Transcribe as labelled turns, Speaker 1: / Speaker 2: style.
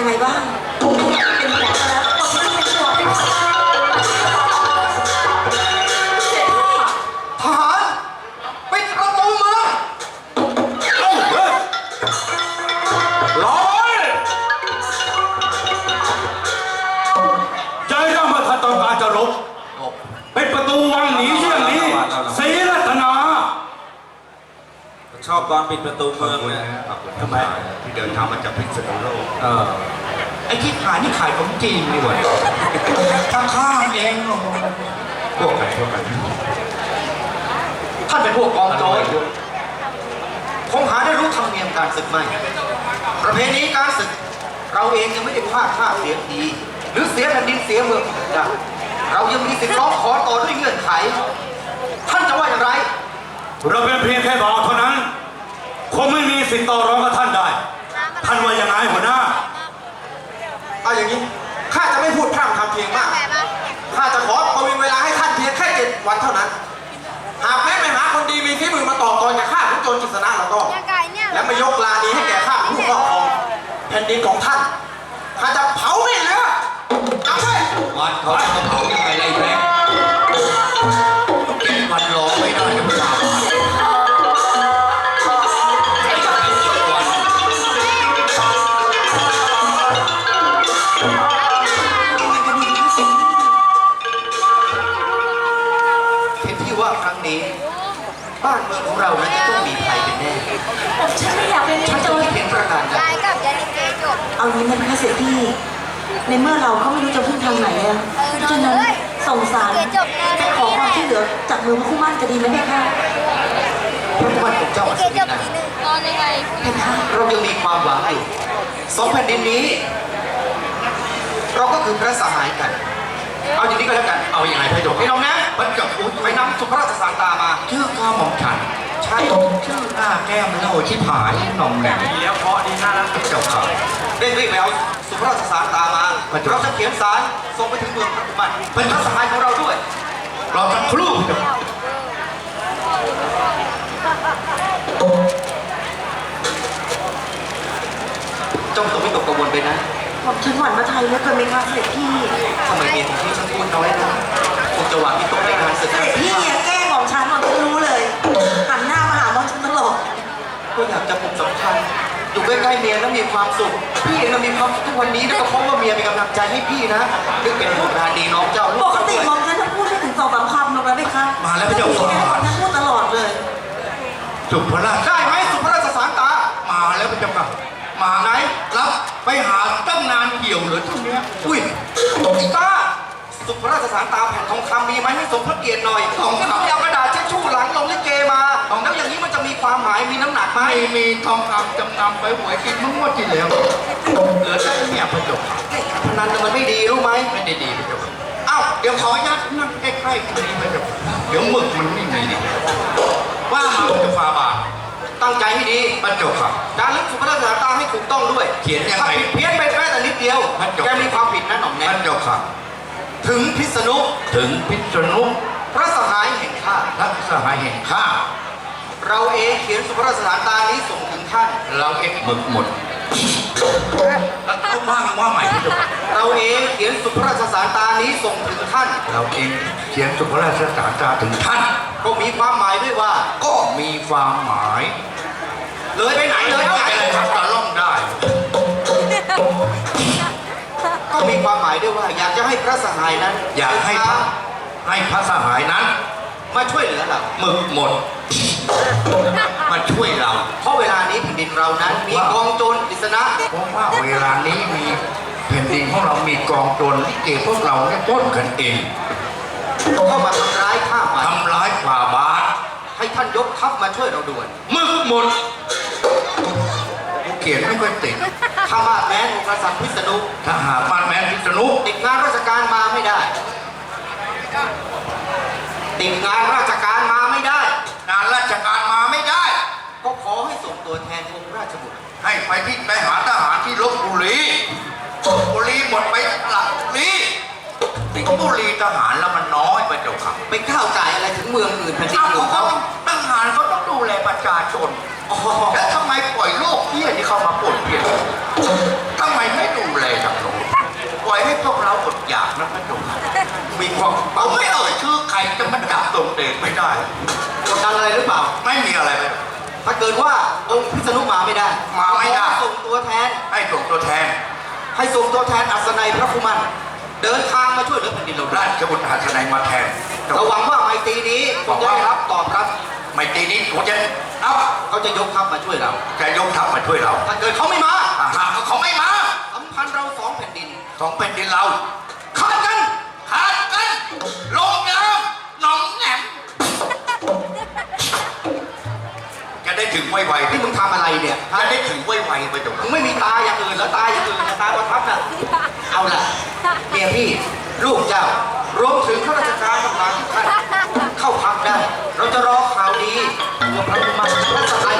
Speaker 1: ยังไงบ้างเป็นห่วงแล้วผมไม่เป็นห่วง
Speaker 2: ทหารปิดประตูเมือง
Speaker 3: รอไว้ใจร่ำมาถ้าต้องการจะลบเป็นประตูวังหนีเยี่ยงนี้ศรีรัตนา
Speaker 2: ชอบตอนปิดประตูเมืองเนี่ยทำไมที่เดินทางมาจากพิษณุโลกไอ้ที่ขายนี่ขายของจีนนี่หว่าข้างๆเองพวกไหนท่านเป็นพวกกองโจรคงหาได้รู้ธรรมเนียมการศึกไหมประเพณีการศึกเราเองยังไม่ได้พลาดท่าเสียทีหรือเสียแผ่นดินเสียเมืองได้เรายังมีสิทธิ์ร้องขอต่อด้วยเงื่อนไขท่านจะว่าอย่างไร
Speaker 3: เราเป็นเพียงแค่บ่าวเท่านั้นคงไม่มีสิทธิ์ต่อรองกับท่านได้ท่านว่าอย่างไรหัวหน้า
Speaker 2: เอาอย่างนี้ข้าจะไม่พูดพร่ำทำเพลงมากข้าจะขอประวิงเวลาให้ท่านเพียงแค่7 วันเท่านั้นหากแม้ไปหาคนดีมีฝีมือมาต่อกรกับข้าขุนโจรกฤษณะแล้วก็และไม่ยกลานี้ให้แก่ข้าผู้ครอบครองแผ่นดินของท่านข้าจะเผาไม่เหลือจำไว้
Speaker 4: วันเขาจะเผายังไงไรแม่กินวันรอไม่ได้จะไม่ได้
Speaker 2: ครั้งนี้บ้านเมืองของเรานั้นจะต้องมีภัยเป็นแน่
Speaker 1: ฉันไม่อยากเป็นโจร
Speaker 2: เพียงประการใด
Speaker 1: เอางี้มันค่ะเสด็จพี่ในเมื่อเราก็ไม่รู้จะพึ่งทางไหนแล้วฉะนั้นส่งสารจะขอความช่วยเหลือจากมือพระคู่มั่นจะดีไหมพี่คะ
Speaker 2: พระคู่มั่นของเจ้าอัศวินนะเรายังมีความหวังอยู่2 แผ่นดินนี้เราก็คือพระสหายกันเอาอย่างนี้ก็แล้วกันเอาอย่างไรพระโยมไอ้น้องนะมันกับไปนำสุภราชสารตามา
Speaker 4: ชื่อข้าหม่อมฉัน
Speaker 2: ใช่
Speaker 4: ชื่อหน้าแก้มเล่าชิบหายนมแหนม
Speaker 2: ดีแล้วเพราะดีน่ารักเจ้าข่าวเร่งรีบไปเอาสุภราชสารตามาเราจะเขียนสารส่งไปถึงเมืองพระกุมารเป็นพระสหายของเราด้วย
Speaker 4: เราจะครู่
Speaker 2: จงต้องไม่ตกกังวลไปนะ
Speaker 1: ผมฉันหวั่นมาไทยแล้วเกินไหมคะเสด็จพี่
Speaker 2: ทำไมเมียของพี่ฉันพูดน้อยนะคงจะหวังที่ตกในการศึก
Speaker 1: เสด็จพี่เนี่ยแกล้งของฉันรู้เลยหันหน้ามาหาของฉันตลอด
Speaker 2: ก็อยากจะผูกสัมพันธ์อยู่ใกล้ๆเมียแล้วมีความสุขพี่เองมีความสุขทุกวันนี้ก็เพราะว่าเมียเป็นกำลังใจให้พี่นะนึกเป็นห่วงงานดีน้องเจ้า
Speaker 1: ปกติมองฉันจะพูดไม่ถึง2-3 คำหรอกนะพี่คะ
Speaker 4: มาแล้วพี่เจ้า
Speaker 1: สอนฉันพูดตลอดเลย
Speaker 4: สุภราช
Speaker 2: ได้ไหมสุภราชสารตา
Speaker 4: มาแล้วพี่เจ้าค่ะมาไหนรับไปหาตั้งนานเกี่ยวเหลือเท่านี้
Speaker 2: อุ้ยตกตาสุภราชสารตาแผ่นทองคำมีไหมให้สมพระเกียรติหน่อยทองคำเอากระดาษเช็ดชู่หลังลงลิเกมาแล้วอย่างนี้มันจะมีความหมายมีน้ำหนักไหม
Speaker 4: มีทองคำจำนำไปหวยกินมั่วที่แล้วเหลือแค่เนี่ยพระเจ้าค่ะ
Speaker 2: พนันมันไม่ดีรู้ไหม
Speaker 4: ไม่ได้ดีพระเจ้าค่ะอ้าวเดี๋ยวขอยัดนั่งใกล้ๆตรงนี้พระเจ้าเดี๋ยวหมึกมันไม่มีว่ามาจะฟาบาท
Speaker 2: ตั้งใจให้ดี
Speaker 4: พระเจ้าค่ะ
Speaker 2: การเลือกสุภราชสารตาให้ถูกต้องด้วย
Speaker 4: เขียนยังไง
Speaker 2: เพี้ยนไปแค่แต่นิดเดียวแกมีความผิดนะหน่อมแน่
Speaker 4: พระเจ้าค่ะ
Speaker 2: ถึงพิษณุพระสหายแห่งข้าเราเองเขียนสุภราชสารตานี้ส่งถึงท่าน
Speaker 4: เราเองหมึกหมดแล้วก็ว่าใหม่ที่จะ
Speaker 2: เราเองเขียนสุภราชสารตานี้ส่งถึงท่าน
Speaker 4: เราเองเขียนสุภราชสารตาถึงท่าน
Speaker 2: ก็มีความหมายด้วยว่า
Speaker 4: ก็มีความหมาย
Speaker 2: เลยไปไหนเลย
Speaker 4: ไปเลยครับตะล่อมได้
Speaker 2: ก็มีความหมายด้วยว่าอยากจะให้พระสหายนั้น
Speaker 4: อยากให้พระสหายนั้น
Speaker 2: มาช่วยเหลือเรา
Speaker 4: หมึกหมดมาช่วยเรา
Speaker 2: เพราะเวลานี้แผ่นดินเรานั้นมีกองโจรกฤษณะ
Speaker 4: เพราะว่าเวลานี้มีแผ่นดินของเรามีกองโจรลิเกพวกเราเนี่ยป้นกันเอง
Speaker 2: เข้ามาทำร้ายข้า
Speaker 4: ทำร้ายฝ่าบาท
Speaker 2: ให้ท่านยกทัพมาช่วยเราด่วน
Speaker 4: หมึกหมดเขียนไม่ค่อยติด
Speaker 2: ถ้ามาแม้นกษัตริย์พิษณุ
Speaker 4: ถ้าหากมาแม้นพิษณุ
Speaker 2: ติดงานราชการมาไม่ได้ติดงานราชการมาไม่ได้
Speaker 4: งานราชการมาไม่ได้
Speaker 2: ก็ขอให้ส่งตัวแทนองค์ราชบุตร
Speaker 4: ให้ไปหาทหารที่ลพบุรีหมดไปหลักบุรีติดบุรีทหารแล้วมันน้อยไปเจ้าค่ะ
Speaker 2: ไปก้าวไก่อะไรถึงเมืองอื่นแผ่นดินอื่นเขา
Speaker 4: ทหารเขาต้องดูแลประชาชนแล้วทำไมปล่อยโลกเหี้ยที่เข้ามาป่วนเพี้ยนทำไมไม่ดูแลนะพระเจ้าค่ะมีความผมไม่เอ่ยชื่อใครจะมาจับตรงเดชไม่ได้
Speaker 2: กดดันอะไรหรือเปล่า
Speaker 4: ไม่มีอะไรเลย
Speaker 2: ถ้าเกิดว่าองค์พิษณุมาไม่ได้
Speaker 4: มาไม่ได้
Speaker 2: ขอส่งตัวแทน
Speaker 4: ให้ส่งตัวแทน
Speaker 2: ให้ส่งตัวแทนอัศนัยพระคุมันเดินทางมาช่วยเหลือแผ่นดินเราได้
Speaker 4: ราชบุตรหัสนัยมาแทน
Speaker 2: เราหวังว่าไมตรีนี้คงจะได้รับตอบรับ
Speaker 4: ไม่ตีนี้ผมจะเอา
Speaker 2: เขาจะยกทัพมาช่วยเรา
Speaker 4: จะยกทัพมาช่วยเรา
Speaker 2: ถ้าเกิดเขาไม่มา
Speaker 4: หากเขาไม่มา
Speaker 2: สัมพันธ์เราสองแผ่นดิน
Speaker 4: สองแผ่นดินเรา
Speaker 2: ขาดกัน
Speaker 4: ขาดกันลงน้ำหนองแหนมจะได้ถึงไวๆ
Speaker 2: นี่มึงทำอะไรเนี่ย
Speaker 4: จะได้ถึงไวๆไปตรง
Speaker 2: มึงไม่มีตาอย่างอื่นแล้วตาอย่างอื่นนะตาประทับน่ะเอาล่ะเมียพี่ลูกเจ้ารวมถึงข้าราชการต่างๆทุกท่านเข้าพักได้ เราจะรอข่าวดีว่าพระคุมันและสหาย